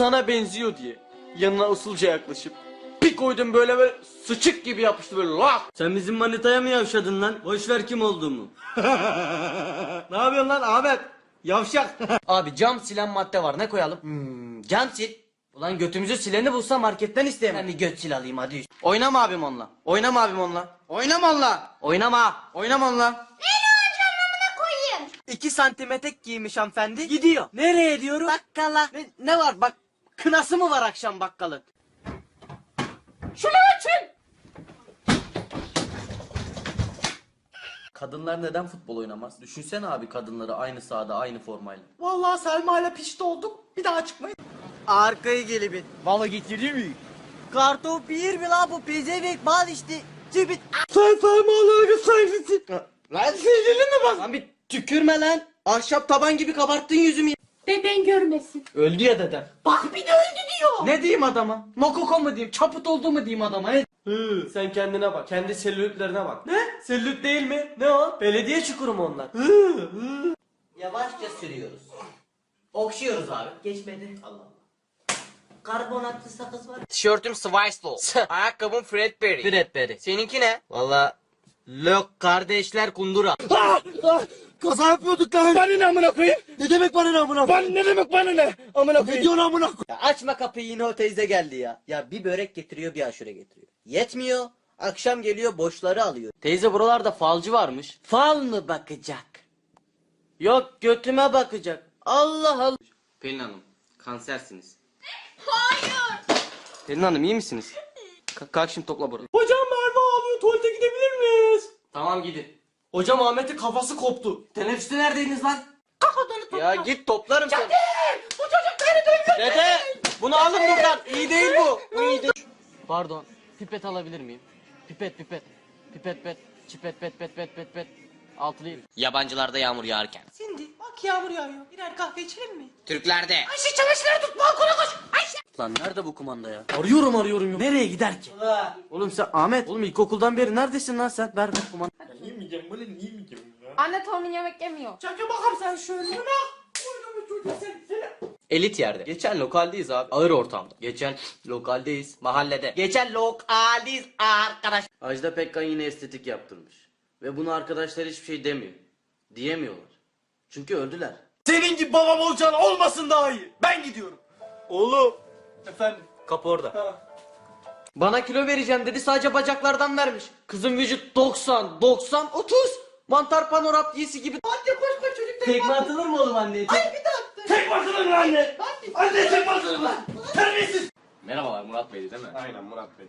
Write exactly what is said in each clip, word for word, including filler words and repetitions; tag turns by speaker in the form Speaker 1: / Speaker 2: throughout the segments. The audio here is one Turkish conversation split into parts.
Speaker 1: sana benziyor diye yanına usulca yaklaşıp bir koydum, böyle böyle sıçık gibi yapıştı böyle lak.
Speaker 2: Sen bizim manitaya mı yavşadın lan? Boşver kim olduğumu.
Speaker 1: Ne yapıyorsun lan Ahmet? Yavşak.
Speaker 2: Abi cam silen madde var, ne koyalım? Hmm, cam sil. Ulan götümüzü sileni bulsa marketten isteyemem. Ben bir göt sil alayım hadi.
Speaker 1: Oynama abim onunla. Oynama abim onunla. Oynama onunla.
Speaker 2: Oynama.
Speaker 1: Oynama onunla.
Speaker 3: Koyayım.
Speaker 1: İki santim etek giymiş hanımefendi. Gidiyor. Nereye diyorum? Bakkala. Ne, ne var bak? Kınası mı var akşam bakkalın? Şunu açın.
Speaker 2: Kadınlar neden futbol oynamaz? Düşünsene abi kadınları aynı sahada aynı formayla.
Speaker 1: Vallahi Selma ile pişti olduk. Bir daha çıkmayın. Arkayı gelibin. Valla getirdi mi? Kartop bir mi lan bu pezevenk bal işte. Cibit. Sen Selma'ları sayfısın. Lan sevgilin mi bak? Lan bir tükürme lan. Ahşap taban gibi kabarttın yüzümü.
Speaker 3: Deden görmesin.
Speaker 1: Öldü ya dedem.
Speaker 3: Bak bir de öldü diyor.
Speaker 1: Ne diyeyim adama? Mokoko mu diyeyim? Çaput oldu mu diyeyim adama? He? Hı, sen kendine bak. Kendi selülitlerine bak. Ne? Selülit değil mi? Ne o? Belediye çukuru mu onlar? Hı, hı.
Speaker 2: Yavaşça sürüyoruz. Okşuyoruz abi. Geçmedi. Allah Allah. Karbonatlı sakız var.
Speaker 1: Tişörtüm Swicelow. Ayakkabım Fredberry.
Speaker 2: Fredberry.
Speaker 1: Seninki ne?
Speaker 2: Valla Lök kardeşler kundura.
Speaker 4: Kaza yapıyorduk lan. Bana ne amına koyayım? Ne demek bana ne amına koyayım? Bana ne demek bana ne? Amına koyayım. Ne diyorsun amına koyayım?
Speaker 2: Ya açma kapıyı, yine o teyze geldi ya. Ya bir börek getiriyor bir aşure getiriyor. Yetmiyor. Akşam geliyor boşları alıyor.
Speaker 1: Teyze buralarda falcı varmış.
Speaker 2: Fal mı bakacak?
Speaker 1: Yok götüme bakacak. Allah Allah.
Speaker 2: Pelin Hanım kansersiniz.
Speaker 1: Pelin Hanım iyi misiniz? Ka- kalk şimdi topla burada. Hocam Merve ağlıyor, tuvalete gidebilir miyiz?
Speaker 2: Tamam gidin.
Speaker 1: Hocam Ahmet'in kafası koptu.
Speaker 2: Teneffüste neredeydiniz lan?
Speaker 1: Ya git toplarım seni.
Speaker 3: Bu çocuk beni duymuyor.
Speaker 1: Dede bunu alın buradan. İyi değil bu. Bu iyi değil.
Speaker 5: Pardon, pipet alabilir miyim? Pipet, pipet. Pipet, pet. Çipet, pet, pet, pet, pet, pet. Altılıyım.
Speaker 2: Yabancılarda yağmur yağarken.
Speaker 6: Şimdi bak yağmur yağıyor. Birer kahve içelim mi?
Speaker 2: Türklerde.
Speaker 6: Ayşe çamaşırları tut balkona koş. Ayşe.
Speaker 2: Lan nerede bu kumanda ya?
Speaker 1: Arıyorum arıyorum. Nereye gider ki? Oğlum sen Ahmet. Oğlum ilkokuldan beri neredesin lan sen? Ver ver kumanda.
Speaker 3: Anne torunun yemek yemiyor.
Speaker 6: Çakı bakalım sen şöyle. Bırak. Oynamış çocuğu sen. Seni.
Speaker 1: Elit yerde. Geçen lokaldeyiz abi. Ağır ortamda. Geçen lokaldeyiz. Mahallede. Geçen lokaldeyiz arkadaş.
Speaker 2: Ajda Pekkan yine estetik yaptırmış. Ve bunu arkadaşlar hiçbir şey demiyor. Diyemiyorlar. Çünkü öldüler.
Speaker 1: Senin gibi babam olacağın olmasın daha iyi. Ben gidiyorum. Oğlum. Efendim.
Speaker 2: Kapı orada.
Speaker 1: Bana kilo vereceğim dedi, sadece bacaklardan vermiş. Kızın vücut doksan, doksan, otuz. Mantar panorap giysi gibi.
Speaker 6: Anne koş koş çocuk.
Speaker 1: Tekme atılır mı oğlum anneye?
Speaker 6: Ay bir de attı.
Speaker 1: Tek basılır mı anne? Anne tek basılır mı? Terbiyesiz.
Speaker 5: Merhabalar, Murat Bey'di değil mi?
Speaker 1: Aynen Murat Bey.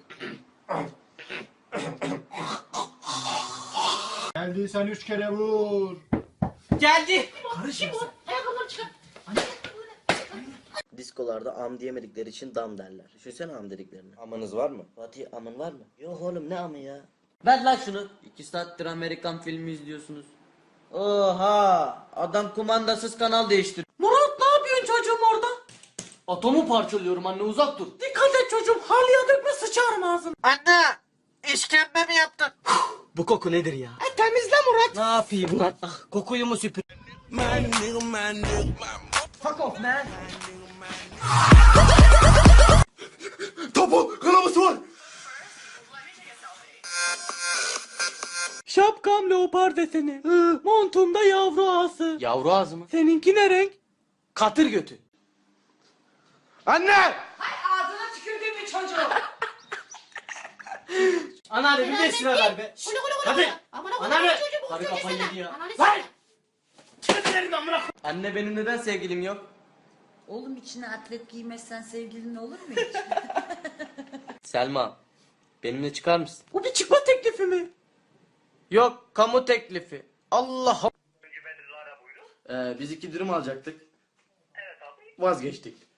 Speaker 4: Geldiysen üç kere vur.
Speaker 1: Geldi.
Speaker 6: Ayakkabıları çıkar.
Speaker 2: Diskolarda am diyemedikleri için dam derler. Düşünsene am dediklerini.
Speaker 1: Amanız var mı?
Speaker 2: Fatih amın var mı? Yok oğlum ne amı ya? Ver lan şunu. İki saattir Amerikan filmi izliyorsunuz. Oha! Adam kumandasız kanal değiştir.
Speaker 6: Murat ne yapıyorsun çocuğum orada?
Speaker 1: Atomu parçalıyorum anne, uzak dur.
Speaker 6: Dikkat et çocuğum. Halıya dökme sıçarım ağzını.
Speaker 1: Anne! İşkembe mi yaptın? Bu koku nedir ya?
Speaker 6: E, temizle Murat.
Speaker 1: Ne yapayım lan? Ah, kokuyu mu süpür?
Speaker 6: Fuck off man.
Speaker 4: Topu kanaması var.
Speaker 1: Şapkam leopar deseni. Hı, montumda yavru ağası. Yavru ağzı mı? Seninki ne renk? Katır götü. Anne!
Speaker 6: Ağzına tükürdüğüm bir çocuğu.
Speaker 1: Anneanne bir beş lira ver be.
Speaker 6: Kulu kulu kulu.
Speaker 1: Hadi.
Speaker 6: Aman aman
Speaker 1: Anneanne.
Speaker 6: çocuğum.
Speaker 1: Karı kafayı yedi ya.
Speaker 6: Lan.
Speaker 1: Anne benim neden sevgilim yok?
Speaker 7: Oğlum içine atlet giymezsen sevgilin olur mu hiç?
Speaker 1: Selma. Benimle çıkar mısın?
Speaker 6: Bu bir çıkma teklifi mi?
Speaker 1: Yok, kamu teklifi. Allah.
Speaker 2: Ee, biz iki dürüm alacaktık.
Speaker 1: Vazgeçtik.